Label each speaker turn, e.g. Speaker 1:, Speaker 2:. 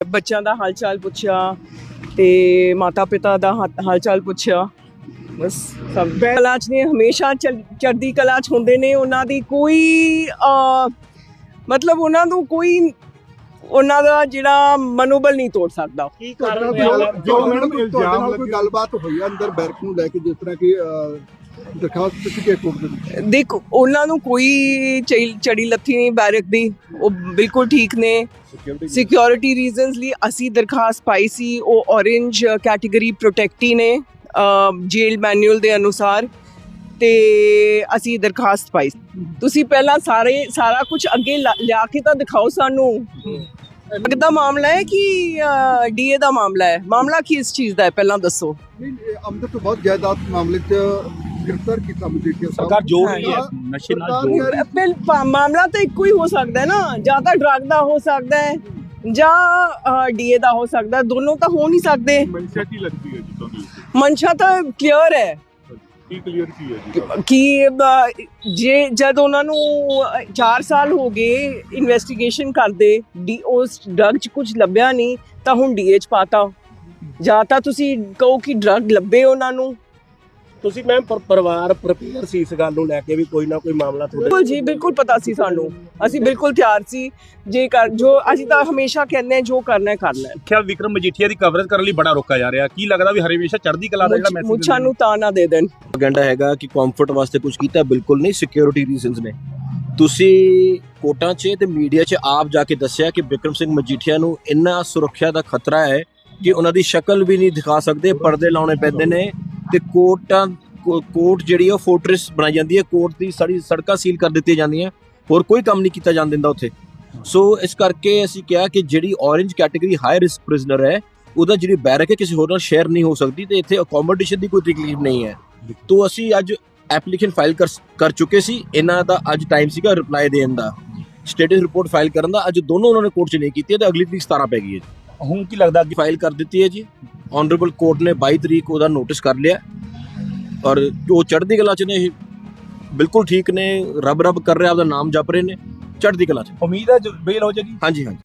Speaker 1: ਬੱਚਿਆਂ ਦਾ ਹਾਲ ਚਾਲ ਪੁੱਛਿਆ ਤੇ ਮਾਤਾ ਪਿਤਾ ਦਾ ਹਾਲ ਚਾਲ ਪੁੱਛਿਆ। ਬਸ ਸਭ ਕਲਾ 'ਚ ਨੇ, ਹਮੇਸ਼ਾ ਚੜ੍ਹਦੀ ਕਲਾ 'ਚ ਹੁੰਦੇ ਨੇ। ਉਹਨਾਂ ਦੀ ਕੋਈ ਮਤਲਬ ਉਹਨਾਂ ਨੂੰ ਕੋਈ ਉਹਨਾਂ ਦਾ ਜਿਹੜਾ ਮਨੋਬਲ ਨਹੀਂ ਤੋੜ ਸਕਦਾ।
Speaker 2: ਕੀ ਕਾਰਨ ਜੋ ਮੈਡਮ ਇਲਜ਼ਾਮ ਲੱਗੇ ਕੋਈ ਗੱਲਬਾਤ ਹੋਈ ਆ ਅੰਦਰ ਬੈਰਕ ਨੂੰ ਲੈ ਕੇ, ਜਿਸ ਤਰ੍ਹਾਂ ਕਿ ਦਰਖਾਸਤ ਦਿੱਤੀ ਗਈ ਕੋਰਟ ਦੇ ਵਿੱਚ?
Speaker 1: ਦੇਖ, ਉਹਨਾਂ ਨੂੰ ਕੋਈ ਚੜੀ ਲੱਥੀ ਨਹੀਂ ਬੈਰਕ ਦੀ, ਉਹ ਬਿਲਕੁਲ ਠੀਕ ਨੇ। ਸਿਕਿਉਰਿਟੀ ਰੀਜ਼ਨਸ ਲਈ ਅਸੀਂ ਦਰਖਾਸਤ ਪਾਈ ਸੀ। ਉਹ ਔਰੇਂਜ ਕੈਟੇਗਰੀ ਪ੍ਰੋਟੈਕਟੀ ਨੇ ਜੇਲ ਮੈਨੂਅਲ ਦੇ ਅਨੁਸਾਰ, ਤੇ ਅਸੀਂ ਦਰਖਾਸਤ ਪਾਈ। ਤੁਸੀਂ ਪਹਿਲਾਂ ਸਾਰਾ ਕੁਝ ਅੱਗੇ ਲਿਆ ਕੇ ਤਾਂ ਦਿਖਾਓ ਸਾਨੂੰ। ਦਾ ਮਾਮਲਾ ਹੈ ਕਿ ਡੀਏ ਦਾ ਮਾਮਲਾ ਹੈ? ਮਾਮਲਾ ਕੀ ਇਸ ਚੀਜ਼ ਦਾ ਹੈ ਪਹਿਲਾਂ ਦੱਸੋ।
Speaker 2: ਅੰਦਰ ਤੋਂ ਬਹੁਤ ਜਾਇਦਾਦ ਮਾਮਲੇ 'ਚ ਗ੍ਰਿਫਤਾਰ ਕੀਤਾ ਮਜੀਠੀਆ ਸਾਹਿਬ।
Speaker 3: ਸਰਕਾਰ ਜੋੜ ਰਹੀ ਹੈ ਨਸ਼ੇ ਨਾਲ ਜੋੜ।
Speaker 1: ਮਾਮਲਾ ਤਾਂ ਇੱਕੋ ਹੀ ਹੋ ਸਕਦਾ ਹੈ ਨਾ, ਜਾਂ ਤਾਂ ਡਰੱਗ ਦਾ ਹੋ ਸਕਦਾ ਹੈ ਜਾਂ ਡੀਏ ਦਾ ਹੋ ਸਕਦਾ। ਦੋਨੋਂ ਤਾਂ ਹੋ ਨਹੀਂ ਸਕਦੇ।
Speaker 4: ਮਨਸ਼ਾ ਕੀ ਲੱਗਦੀ ਹੈ ਜੀ ਤੁਹਾਨੂੰ?
Speaker 1: ਮਨਸ਼ਾ ਤਾਂ ਕਲੀਅਰ ਹੈ।
Speaker 4: ਕੀ ਕਲੀਅਰ ਕੀ ਹੈ ਜੀ?
Speaker 1: ਕਿ ਜੇ ਜਦ ਉਹਨਾਂ ਨੂੰ 4 ਸਾਲ ਹੋ ਗਏ ਇਨਵੈਸਟੀਗੇਸ਼ਨ ਕਰਦੇ, ਉਸ ਡਰੱਗ 'ਚ ਕੁਝ ਲੱਭਿਆ ਨਹੀਂ ਤਾਂ ਹੁਣ ਡੀਏ 'ਚ ਪਾਤਾ। ਜਾਂ ਤਾਂ ਤੁਸੀਂ ਕਹੋ ਕਿ ਡਰੱਗ ਲੱਭੇ ਉਹਨਾਂ ਨੂੰ।
Speaker 3: ਤੁਸੀਂ ਮੈਮ ਪਰਿਵਾਰ ਪ੍ਰਪੇਅਰ ਸੀ ਇਸ ਗੱਲ ਨੂੰ ਲੈ ਕੇ ਵੀ ਕੋਈ ਨਾ ਕੋਈ ਮਾਮਲਾ
Speaker 1: ਬਿਲਕੁਲ ਜੀ, ਬਿਲਕੁਲ ਪਤਾ ਸੀ ਸਾਨੂੰ। ਅਸੀਂ ਬਿਲਕੁਲ ਤਿਆਰ ਸੀ। ਜੋ ਅਸੀਂ ਤਾਂ ਹਮੇਸ਼ਾ ਕਹਿੰਦੇ ਹਾਂ, ਜੋ ਕਰਨਾ ਹੈ ਕਰਨਾ ਹੈ।
Speaker 3: ਖਿਆਲ ਵਿਕਰਮ ਮਜੀਠੀਆ ਦੀ ਕਵਰੇਜ ਕਰਨ ਲਈ ਬੜਾ ਰੋਕਾ ਜਾ ਰਿਹਾ। ਕੀ ਲੱਗਦਾ ਵੀ ਹਮੇਸ਼ਾ ਚੜ੍ਹਦੀ ਕਲਾ ਦਾ ਜਿਹੜਾ ਮੈਸੇਜ
Speaker 1: ਮੁੱਛਾਂ ਨੂੰ ਤਾਂ ਨਾ ਦੇ ਦੇਣ।
Speaker 5: ਪ੍ਰੋਪਗੈਂਡਾ ਹੈਗਾ ਕਿ ਕੰਫਰਟ ਵਾਸਤੇ ਕੁਝ ਕੀਤਾ, ਬਿਲਕੁਲ ਨਹੀਂ। ਸਿਕਿਉਰਿਟੀ ਰੀਜ਼ਨਸ ਨੇ। ਤੁਸੀਂ ਕੋਰਟਾਂ 'ਚ ਤੇ ਮੀਡੀਆ 'ਚ ਆਪ ਜਾ ਕੇ ਦੱਸਿਆ ਕਿ ਬਿਕਰਮ ਸਿੰਘ ਮਜੀਠੀਆ ਨੂੰ ਇੰਨਾ ਸੁਰੱਖਿਆ ਦਾ ਖਤਰਾ ਹੈ ਕਿ ਉਹਨਾਂ ਦੀ ਸ਼ਕਲ ਵੀ ਨਹੀਂ ਦਿਖਾ ਸਕਦੇ, ਪਰਦੇ ਲਾਉਣੇ ਪੈਂਦੇ ਨੇ। ਤੇ ਕੋਰਟ ਜਿਹੜੀ ਉਹ ਫੋਰਟ੍ਰੈਸ ਬਣਾਈ ਜਾਂਦੀ ਹੈ। ਕੋਰਟ ਦੀ ਸਾਰੀ ਸੜਕਾਂ ਸੀਲ ਕਰ ਦਿੱਤੀਆਂ ਜਾਂਦੀਆਂ, ਹੋਰ ਕੋਈ ਕੰਮ ਨਹੀਂ ਕੀਤਾ ਜਾਣ ਦਿੰਦਾ ਉੱਥੇ। ਸੋ ਇਸ ਕਰਕੇ ਅਸੀਂ ਕਿਹਾ ਕਿ ਜਿਹੜੀ orange category high risk prisoner ਹੈ, ਉਹਦਾ ਜਿਹੜੀ ਬੈਰਕ ਹੈ ਕਿਸੇ ਹੋਰ ਨਾਲ ਸ਼ੇਅਰ ਨਹੀਂ ਹੋ ਸਕਦੀ, ਤੇ ਇੱਥੇ ਅਕੋਮੋਡੇਸ਼ਨ ਦੀ ਕੋਈ ਤਕਲੀਫ ਨਹੀਂ ਹੈ। ਤੋਂ ਅਸੀਂ ਅੱਜ ਐਪਲੀਕੇਸ਼ਨ ਫਾਈਲ ਕਰ ਚੁੱਕੇ ਸੀ। ਇਹਨਾਂ ਦਾ ਅੱਜ ਟਾਈਮ ਸੀਗਾ ਰਿਪਲਾਈ ਦੇਣ ਦਾ, ਸਟੇਟਸ ਰਿਪੋਰਟ ਫਾਈਲ ਕਰਨ ਦਾ। ਅੱਜ ਦੋਨੋਂ ਉਹਨਾਂ ਨੇ ਕੋਰਟ 'ਚ ਨਹੀਂ ਕੀਤੀ, ਤੇ ਅਗਲੀ ਤਰੀਕ 17 ਪੈ ਗਈ ਹੈ ਜੀ।
Speaker 3: ਹੁਣ ਕੀ ਲੱਗਦਾ
Speaker 5: ਅੱਜ ਫਾਈਲ ਕਰ ਦਿੱਤੀ ਹੈ ਜੀ। ਆਨਰੇਬਲ ਕੋਰਟ ਨੇ 22 ਤਰੀਕ ਉਹਦਾ ਨੋਟਿਸ ਕਰ ਲਿਆ, ਔਰ ਉਹ ਚੜ੍ਹਦੀ ਕਲਾ 'ਚ ਨੇ, ਬਿਲਕੁਲ ਠੀਕ ਨੇ। ਰੱਬ ਕਰ ਰਹੇ, ਆਪਦਾ ਨਾਮ ਜਪ ਰਹੇ ਨੇ, ਚੜ੍ਹਦੀ ਕਲਾ 'ਚ।
Speaker 3: ਉਮੀਦ ਹੈ ਬੇਲ ਹੋ ਜਾਏਗੀ?
Speaker 5: ਹਾਂਜੀ ਹਾਂਜੀ।